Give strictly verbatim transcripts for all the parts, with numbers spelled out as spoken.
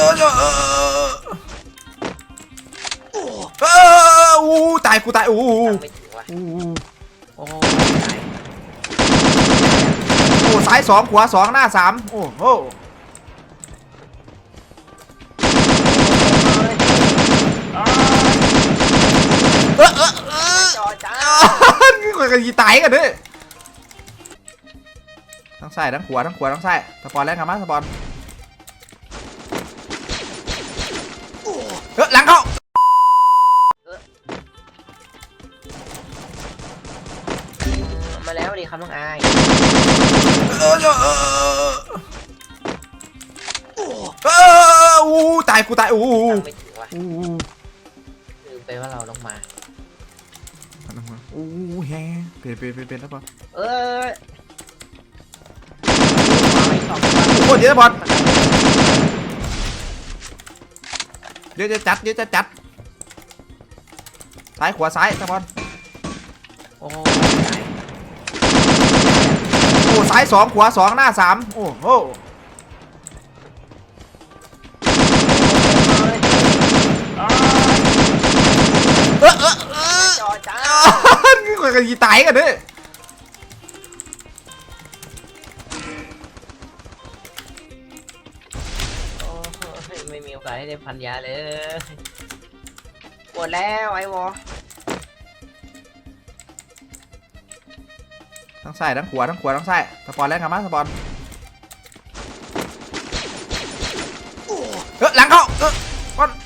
เอออู้ตายกูตายอู้อู้โอ้โอ้ซ้ายสองขวาสองหน้าสามโอ้โหเออเออเออมันกันยีตายกันด้วยทั้งซ้ายทั้งขวาทั้งขวาทั้งซ้ายสปอนแล้วครับมาสปอนเออหลังเข้ามาแล้วดิครับน้องอายเออเออเอออู้ตายกูตายอู้ไม่ถึงว่ะลืมไปว่าเราต้องมาอู้แฮเปลี่ยนเปลี่ยนเปลี่ยนเปลี่ยนแล้วปะเออโอ้เดี๋ยวบอลเดี๋ยวจะจัดเดี๋ยวจะจัดซ้ายขวาซ้ายบอลโอ้โอ้ซ้ายสองขวาสองหน้าสามโอ้โหเออเออเออจอจ้ากันยีตายกันด้วยโอ้ไม่มีโอกาสให้ได้พันยาเลยปวดแล้วไอ้วอทั้งซ้ายทั้งขวาทั้งขวาทั้งซ้ายสปอนแล้วครับมาสปอนเออหลังเข้าเออบอล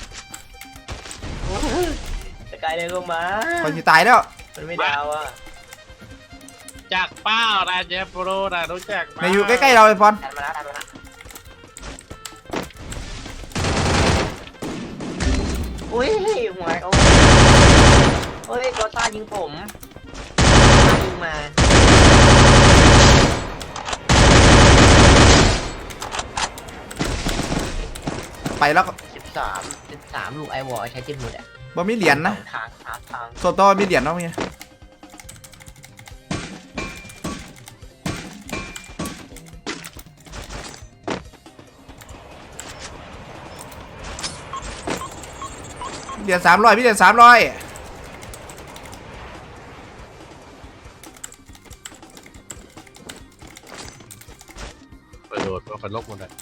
สกายเลยลงมาคนที่ตายแล้วมันไม่ดาวอ่ะจากเป้าได้เจฟโปรได้รู้จักในอยู่ใกล้ๆเราเลยบอลดันมาแล้วดันมาแล้วอุ้ยหัวโอ้โอ้ยโกต้ายิงผมยิงมาไปแล้วสิบสามสิบสามลูกไอวอลใช้จิ้มหมดอ่ะบ่มีเหรียญนะทางทางทางโซโต้มีเหรียญเนาะมีเหรียญสามร้อยพี่เหรียญสามร้อยประโยชน์ว่าเป็นลบหมดเลย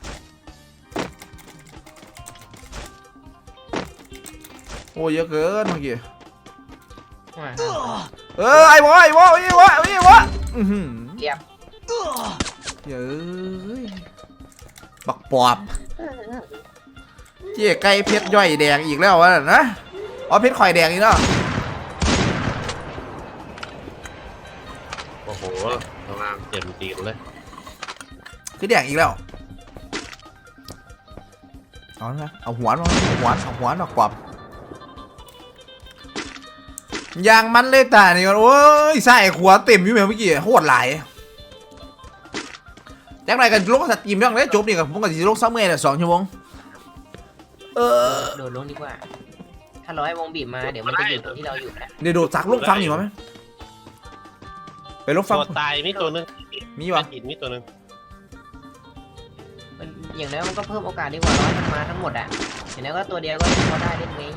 โอ้เยอะเกินเมื่อกี้เออไอ้วะไอ้วะไอ้วะไอ้วะอือหือเยี่ยมเย้ยบักปอบเจี๊ยไก่เพชรย่อยแดงอีกแล้ววะนะอ๋อเพชรข่อยแดงอีกแล้วโอ้โหกำลังเจ็บตีนเลยคือแดงอีกแล้วเอาละเอาหัวมาเอาหัวเอาหัวบักปอบยางมันเลยแต่นี่โอ้ยใส่ขวาเต็มอยู่เมื่อกี้โคตรหลายจากไหนกันลงสตรีมเรื่องนี้จบนี่กับผมกับจีลงซัมเมอร์เนี่ยสองชั่วโมงเออโดดลงดีกว่าถ้าเราให้วงบีบมาเดี๋ยวมันจะอยู่ตรงที่เราอยู่นะเดี๋ยวโดดจากลูกฟังอยู่ไหมไปลูกฟังตายมีตัวนึงมีวะหินมีตัวนึงอย่างนั้นมันก็เพิ่มโอกาสดีกว่าร้อยมันมาทั้งหมดอ่ะอย่างนั้นก็ตัวเดียวก็พอได้เล่นไง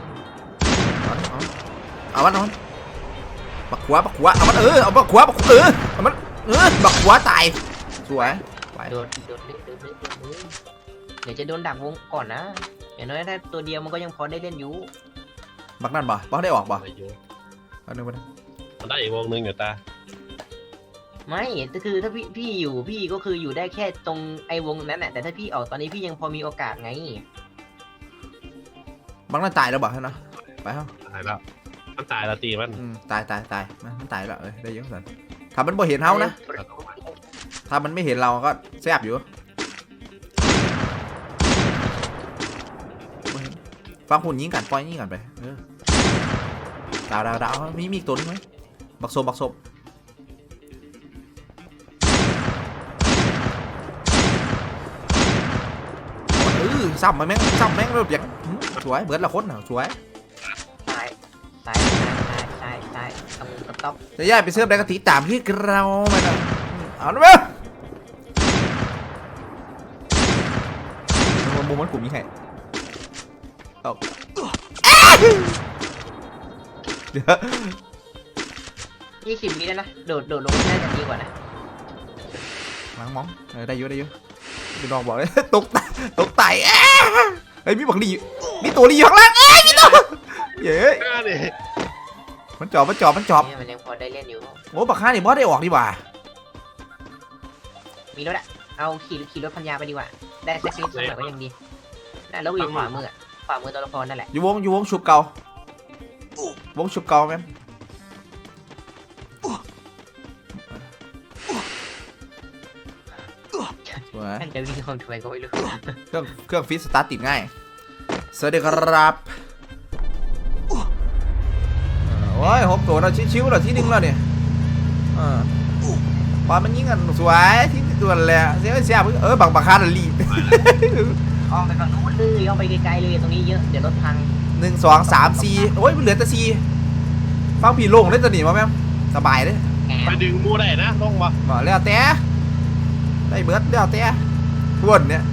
เอามันเอามันบักขวาบักขวาเอามันเออเอาบักขวาบักเออเอามันเออบักขวาตายสวยโดดโดดโดดโดดโดดเดี๋ยวจะโดนดักวงก่อนนะอย่างน้อยถ้าตัวเดียวมันก็ยังพอได้เล่นอยู่บักนั่นบ่บักได้ออกบ่อันนึงมันมันได้อีกวงนึงอยู่ตาไม่ก็คือถ้าพี่พี่อยู่พี่ก็คืออยู่ได้แค่ตรงไอ้วงนั้นแหละแต่ถ้าพี่ออกตอนนี้พี่ยังพอมีโอกาสไงบักนั่นตายแล้วบ่ใช่ไหมไปครับตายแล้วมันตายแล้วตีมันตายตายตายมันตายแล้วเลยได้เยอะสุดถ้ามันบ่เห็นเฮานะถ้ามันไม่เห็นเราก็แซ่บอยู่ฟังหุ่นยิงกันปล่อยยิงกันไปดาวดาวดาวมีมีตัวนึงไหมบักโซบักโซเออซ้ำมาแม่งซ้ำแม่งเรียบอย่างสวยเบิร์ดละคนสวยตายตายตายตายตายต้องต๊อกจะย้ายไปเสิร์ฟได้กะทิตามที่เราไปนะเอาละมั้ยโมมุมมันกลุ่มนี้ให้เอาเดี๋ยวยี่สิบวิแล้วนะโดดโดดลงน่าจะดีกว่านะหลังมองเออได้เยอะได้เยอะพี่น้องบอกเลย ตกตกไต่เฮ้ยมีบักลีมีตัวลีอยู่ข้างล่างเอ้ยมีตัวเย้ยหน้าดิมันจอบมันจอบมันจอบเนี่ยมันยังพอได้เล่นอยู่โอ้บักข้านี่บอสได้ออกดีกว่ามีรถอะเอาขี่ขี่รถพันยาไปดีกว่าได้สักนิดสักหน่อยก็ยังดีน่ะแล้วอยู่ขวามืออะขวามือตัวละครนั่นแหละอยู่วงอยู่วงชุบเก่าวงชุบเก่าแม่นสวยท่านจะวิ่งเข้าทำไมก็ไม่รู้เครื่องเครื่องฟิตสตาร์ทติดง่ายสวัสดีครับเออโอ้ยหกตัวเราชิวๆเราที่หนึ่งแล้วเนี่ยเออปอนมันยิงกันสวยที่ตัวแหละเสียเสียเออบังบังคาร์ลีออกไปฝั่งนู้นเลยเอาไปไกลๆเลยตรงนี้เยอะเดี๋ยวรถพังหนึ่งสองสามสี่โอ้ยมันเหลือแต่สี่ฟังผีโล่งได้ตัวหนีมาแม่สบายเลยไปดึงมูได้นะลงมาบอกแล้วแต่ได้เบิร์ดแล้วแต่ทวนเนี่ย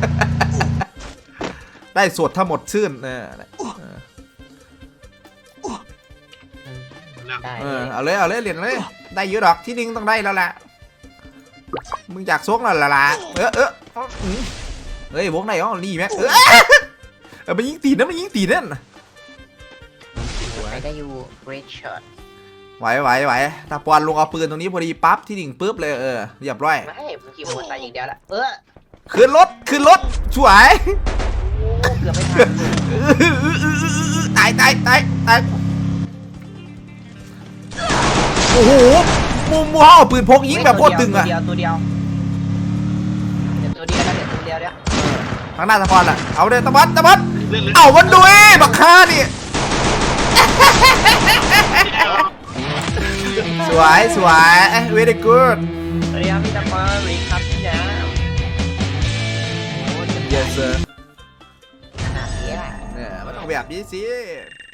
ได้สวดทั้งหมดชื่นเออได้เออเอาเลยเอาเลยเหรียญเลยได้เยอะดอกที่หนึ่งต้องได้แล้วแหละมึงอยากซกแล้วล่ะล่ะเออเออเฮ้ยวงไหนอ๋อรีแม็กเออเออมันยิงตีนนะมันยิงตีนนั่นไปได้อยู่ great shot ไหวไหวไหวตาปอนลงเอาปืนตรงนี้พอดีปั๊บที่หนึ่งปุ๊บเลยเออเรียบร้อยไม่ผมขี่มอเตอร์ไซค์อย่างเดียวละเออขึ้นรถขึ้นรถช่วยโอ้เกือบไม่ทันตายตายตายตายโอ้โหมุมมัวเอาปืนพกยิงแบบโคตรตึงอะตัวเดียวตัวเดียวเดี๋ยวตัวเดียวแล้วเดี๋ยวตัวเดียวเดี๋ยวทางหน้าตะพอนล่ะเอาเด้ตะบันตะบันเล่นเลยเอามันด้วยบักฆ่านี่สวยสวย very good สวัสดีครับพี่ตะปารีครับพี่ยาโอ้ย yes sir ขนาดนี้แหละเนี่ยมันต้องแบบนี้สิ